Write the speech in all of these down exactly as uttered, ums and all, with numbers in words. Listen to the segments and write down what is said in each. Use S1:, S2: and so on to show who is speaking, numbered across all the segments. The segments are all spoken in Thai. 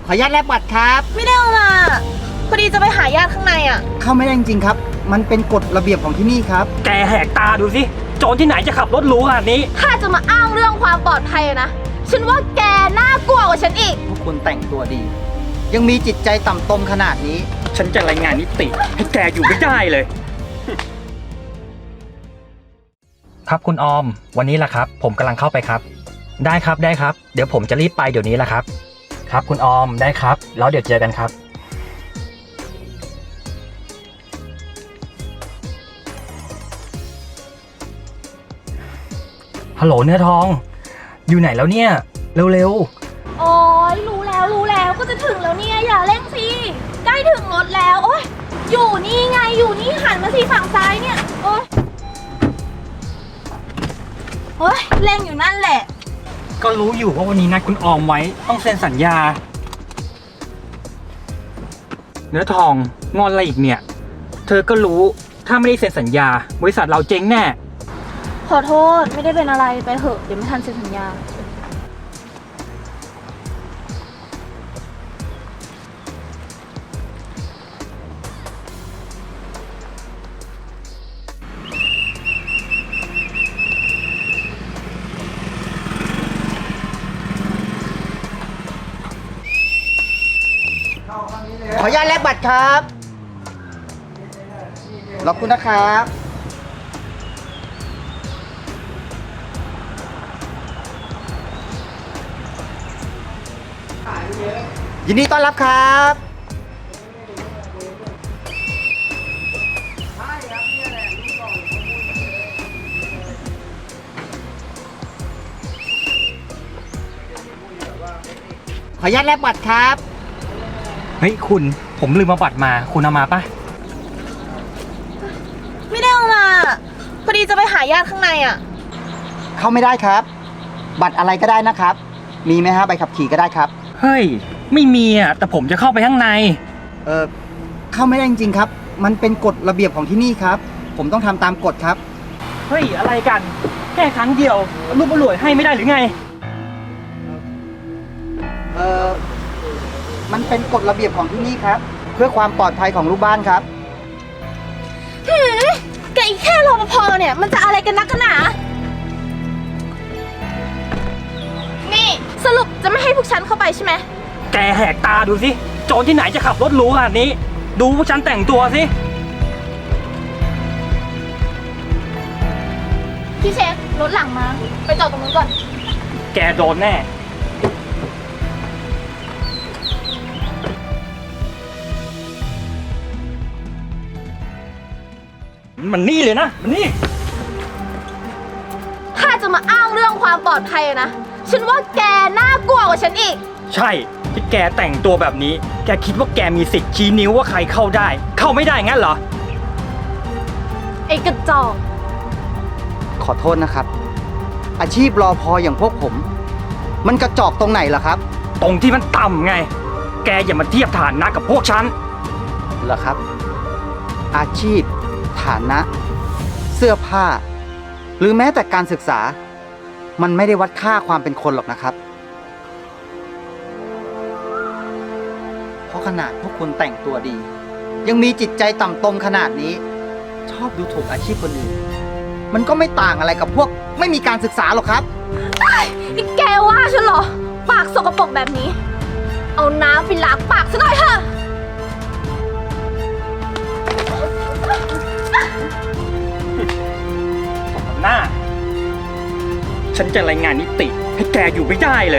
S1: ขออนุญาตแลกบัตรครับ
S2: ไม่ได้เอามาพอดีจะไปหาญาติข้างในอ่ะ
S1: เข้าไม่ได้จริงๆครับมันเป็นกฎระเบียบของที่นี่ครับ
S3: แกแหกตาดูสิโจรที่ไหนจะขับรถหรูขนาดนี้
S2: ถ้าจะมาอ้างเรื่องความปลอดภัยนะฉันว่าแกน่ากลัวกว่าฉันอีก
S1: พวกคุณแต่งตัวดี ยังมีจิตใจต่ำตมขนาดนี้
S3: ฉันจะรายงานนิติให้แกอยู่ไม่ได้เลยครับคุณออมวันนี้แหละครับผมกำลังเข้าไปครับได้ครับได้ครับเดี๋ยวผมจะรีบไปเดี๋ยวนี้แหละครับครับคุณออมได้ครับแล้วเดี๋ยวเจอกันครับฮัลโหลเนื้อทองอยู่ไหนแล้วเนี่ยเร็ว
S2: ๆโอ้ยรู้แล้วรู้แล้วก็จะถึงแล้วเนี่ยอย่าเร่งสิใกล้ถึงรถแล้วโอ้ยอยู่นี่ไงอยู่นี่หันมาสิฝั่งซ้ายเนี่ยโอ้ยโอ้ยเร่งอยู่นั่นแหละ
S3: ก็รู้อยู่ว่าวันนี้นัดคุณออมไว้ต้องเซ็นสัญญาเนื้อทองงอนอะไรอีกเนี่ยเธอก็รู้ถ้าไม่ได้เซ็นสัญญาบริษัทเราเจ๊งแน่
S2: ขอโทษไม่ได้เป็นอะไรไปเถอะเดี๋ยวไม่ทันเซ็นสัญญา
S1: ขออนุญาตแลกบัตรครับขอบคุณนะครับยินดีต้อนรับครับขออนุญาตแลกบัตรครับ
S3: เฮ้ยคุณผมลืมมาบัตรมาคุณเอามาปะ
S2: ไม่ได้เอามาพอดีจะไปหาญาติข้างในอ่ะ
S1: เข้าไม่ได้ครับบัตรอะไรก็ได้นะครับมีไหมฮะใบขับขี่ก็ได้ครับ
S3: เฮ้ยไม่มีอ่ะแต่ผมจะเข้าไปข้างใน
S1: เออเข้าไม่ได้จริงๆครับมันเป็นกฎระเบียบของที่นี่ครับผมต้องทำตามกฎครับ
S3: เฮ้ยอะไรกันแค่ครั้งเดียวรูปอร่วยให้ไม่ได้หรือไง
S1: เออมันเป็นกฎระเบียบของที่นี่ครับเพื่อความปลอดภัยของลูกบ้านครับ
S2: หืมแกอีกแค่รปภเนี่ยมันจะอะไรกันนักกันหนานี่สรุปจะไม่ให้พวกฉันเข้าไปใช่ไหม
S3: แกแหกตาดูสิโจรที่ไหนจะขับรถหรูขนาดนี้ดูพวกฉันแต่งตัวสิ
S2: พี่เชฟรถหลังมาไปจอดตรงนู้นก่อน
S3: แกโดนแน่มันนี่เลยนะมันนี่
S2: ถ้าจะมาอ้างเรื่องความปลอดภัยนะฉันว่าแกน่ากลัวกว่าฉันอีก
S3: ใช่ที่แกแต่งตัวแบบนี้แกคิดว่าแกมีสิทธิ์ชี้นิ้วว่าใครเข้าได้เข้าไม่ได้งั้นเหรอ
S2: ไอ้กระจอก
S1: ขอโทษนะครับอาชีพรอพออย่างพวกผมมันกระจอกตรงไหนล่ะครับ
S3: ตรงที่มันต่ำไงแกอย่ามาเทียบฐานะกับพวกฉัน
S1: เหรอครับอาชีพฐานะเสื้อผ้าหรือแม้แต่การศึกษามันไม่ได้วัดค่าความเป็นคนหรอกนะครับเพราะขนาดพวกคุณแต่งตัวดียังมีจิตใจต่ำตมขนาดนี้ชอบดูถูกอาชีพคนอื่นมันก็ไม่ต่างอะไรกับพวกไม่มีการศึกษาหรอกครับ
S2: นี่แกว่าฉันเหรอปากสกปรกแบบนี้เอาน้ำไปล้างปากซะหน่อยเถอะ
S3: หน้าฉันจะรายงานนิติให้แกอยู่ไม่ได้เลย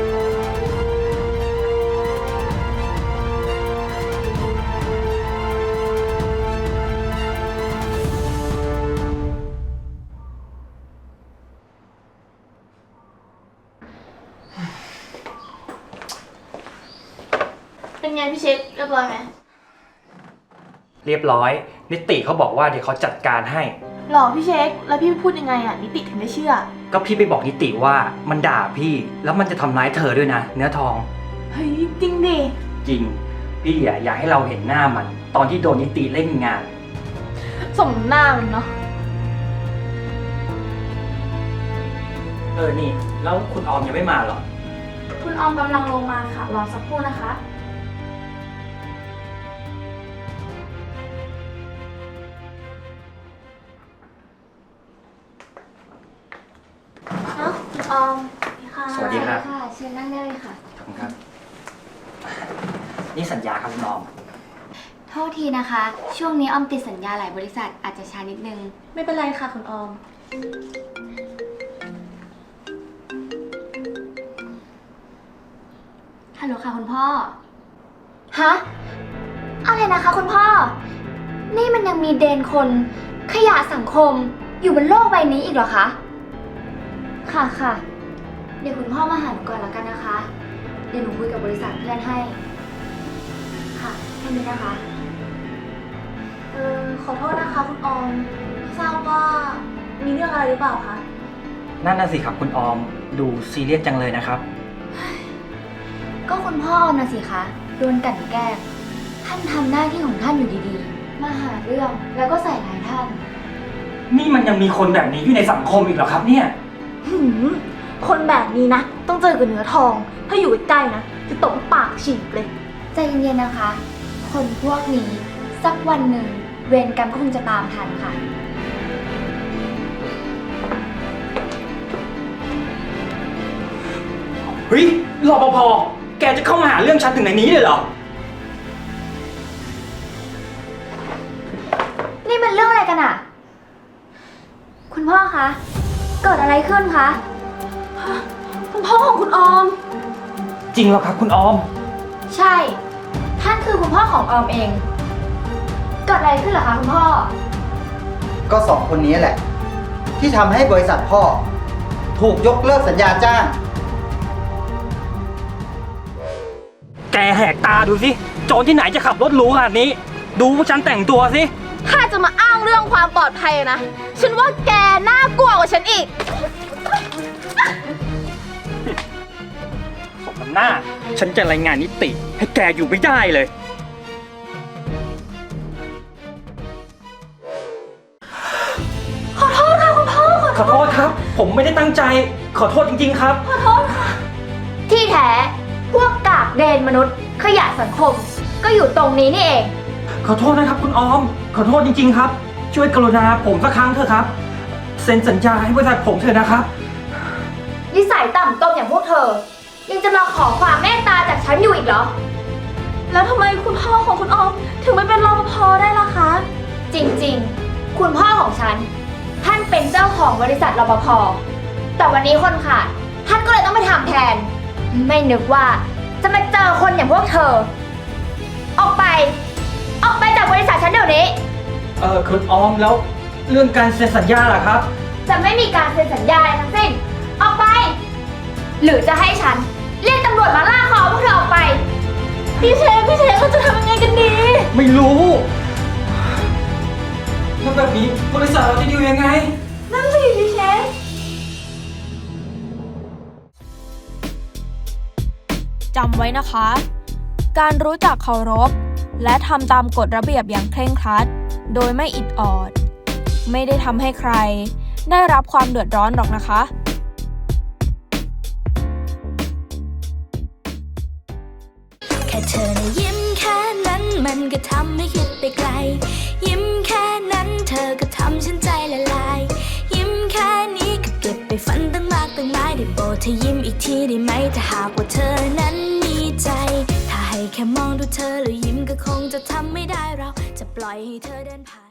S2: เป็นไงพี่เชฟเรียบร้อยไหม
S3: เรียบร้อยนิติเขาบอกว่าเดี๋ยวเขาจัดการให้
S2: หรอพี่เช็คแล้วพี่พูดยังไงอ่ะนิติถึงได้เชื่อ
S3: ก็พี่ไปบอกนิติว่ามันด่าพี่แล้วมันจะทำร้ายเธอด้วยนะเนื้อทอง
S2: เฮ้ยจริงดิ
S3: จริงพี่อยากอยากให้เราเห็นหน้ามันตอนที่โดนนิติเล่นงาน
S2: ส่งหน้ามันเนาะ
S3: เออนี่แล้วคุณออมยังไม่มาหรอ
S2: คุณออมกำลังลงมาค่ะ รอสักครู่นะคะ เอ้าคุณออมค่ะ
S3: สวัสดีครับ
S2: ค่ะ เชิญนั่งได้เลยค่ะ
S3: ขอบคุณครับ นี่สัญญาครับคุณออม
S4: โทษทีนะคะ ช่วงนี้ออมติดสัญญาหลายบริษัทอาจจะช้านิดนึง
S2: ไม่เป็นไรค่ะคุณออม
S4: ฮัลโหลค่ะคุณพ่อ ฮะ อะไรนะคะคุณพ่อ นี่มันยังมีเดนคน ขยะสังคมอยู่บนโลกใบนี้อีกเหรอคะ ค่ะค่ะ เดี๋ยวคุณพ่อมาหาหนูก่อนแล้วกันนะคะ เดี๋ยวหนูคุยกับบริษัทเพื่อนให้ ค่ะแค่นี้นะคะ
S2: เออขอโทษนะคะคุณออมไม่ทราบว่ามีเรื่องอะไรหรือเปล่าคะ
S3: นั่นน่ะสิครับคุณออม ดูซีเรียสจังเลยนะครับ
S4: ก็คุณพ่อออมนะสิคะโดนกลั่นแกล้งท่านทำหน้าที่ของท่านอยู่ดีๆ มาหาเรื่องแล้วก็ใส่ร้ายท่าน
S3: นี่มันยังมีคนแบบนี้อยู่ในสังคมอีกเหรอครับเนี่ย
S2: หืม คนแบบนี้นะ ต้องเจอกับเนื้อทอง ถ้าอยู่ใกล้ๆนะ จะตบปากฉีกเลย
S4: ใจเย็นๆนะคะ คนพวกนี้สักวันหนึ่งเวรกรรมก็คงจะตามทันค่ะ
S3: เฮ้ยรปภ แกจะเข้ามาหาเรื่องฉันถึงในนี้เลยเหรอ
S4: นี่มันเรื่องอะไรกันอะคุณพ่อคะ เกิดอะไรขึ้นคะ
S2: คุณพ่อของคุณออม
S3: จริงเหรอครับคุณออม
S4: ใช่ ท่านคือคุณพ่อของออมเอง เกิดอะไรขึ้นเหรอคะคุณพ่อ
S1: ก็สองคนนี้แหละ ที่ทำให้บริษัทพ่อ ถูกยกเลิกสัญญาจ้าง
S3: แกแหกตาดูสิ โจรที่ไหนจะขับรถหรูขนาดนี้ ดูว่าฉันแต่งตัวสิ
S2: ถ้าจะมาอ้างเรื่องความปลอดภัยนะ ฉันว่าแกน่ากลัวกว่าฉันอีก
S3: สมน้ำหน้า ฉันจะรายงานนิติ ให้แกอยู่ไม่ได้เลย
S2: ขอโทษค่ะคุณพ่อ
S3: ขอโทษครับ ผมไม่ได้ตั้งใจ ขอโทษจริงๆครับ
S2: ขอโทษค่ะ
S4: ที่แท้ พวกกากเดนมนุษย์ ขยะสังคม ก็อยู่ตรงนี้นี่เอง
S3: ขอโทษนะครับคุณออม ขอโทษจริงๆครับ ช่วยกรุณาผมสักครั้งเถอะครับ เซ็นสัญญาให้บริษัทผมเถอะนะครับ
S4: นิสัยต่ำตมอย่างพวกเธอ ยังจะมาขอความเมตตาจากฉันอยู่อีกเหรอ
S2: แล้วทำไมคุณพ่อของคุณออม ถึงไม่เป็นรปภได้ล่ะคะ
S4: จริงๆ คุณพ่อของฉัน ท่านเป็นเจ้าของบริษัทรปภ แต่วันนี้คนขาด ท่านก็เลยต้องไปทำแทน ไม่นึกว่าจะมาเจอคนอย่างพวกเธอ ออกไป ออกไปจากบริษัทฉันเดี๋ยวนี้
S3: เออคุณออมแล้วเรื่องการเซ็นสัญญาล่ะครับ
S4: จะไม่มีการเซ็นสัญญาอะไรทั้งสิ้น ออกไป หรือจะให้ฉันเรียกตำรวจมาล่าคอพวกเธอออกไป
S2: พี่เชฟพี่เชฟเราจะทำยังไงกันดี
S3: ไม่รู้แล้วแบบนี้บริษัทเราจะอยู่ยังไง
S2: นั่นสิพี่เชฟ
S5: จำไว้นะคะ การรู้จักเคารพ และทำตามกฎระเบียบอย่างเคร่งครัด โดยไม่อิดออด ไม่ได้ทำให้ใคร ได้รับความเดือดร้อนหรอกนะคะ
S6: แค่เธอนะยิ้มแค่นั้นมันก็ทำให้คิดไปไกล ยิ้มแค่นั้นเธอก็ทำฉันใจละลาย ยิ้มแค่นี้ก็เก็บไปฝันตั้งมากตั้งหลายได้โปรดเธอยิ้มอีกทีได้ไหมถ้าหากว่าเธอนั้นมีใจ ถ้าให้แค่มองดูเธอแล้วยิ้มก็คงจะทำไม่ได้เราจะปล่อยให้เธอเดินผ่าน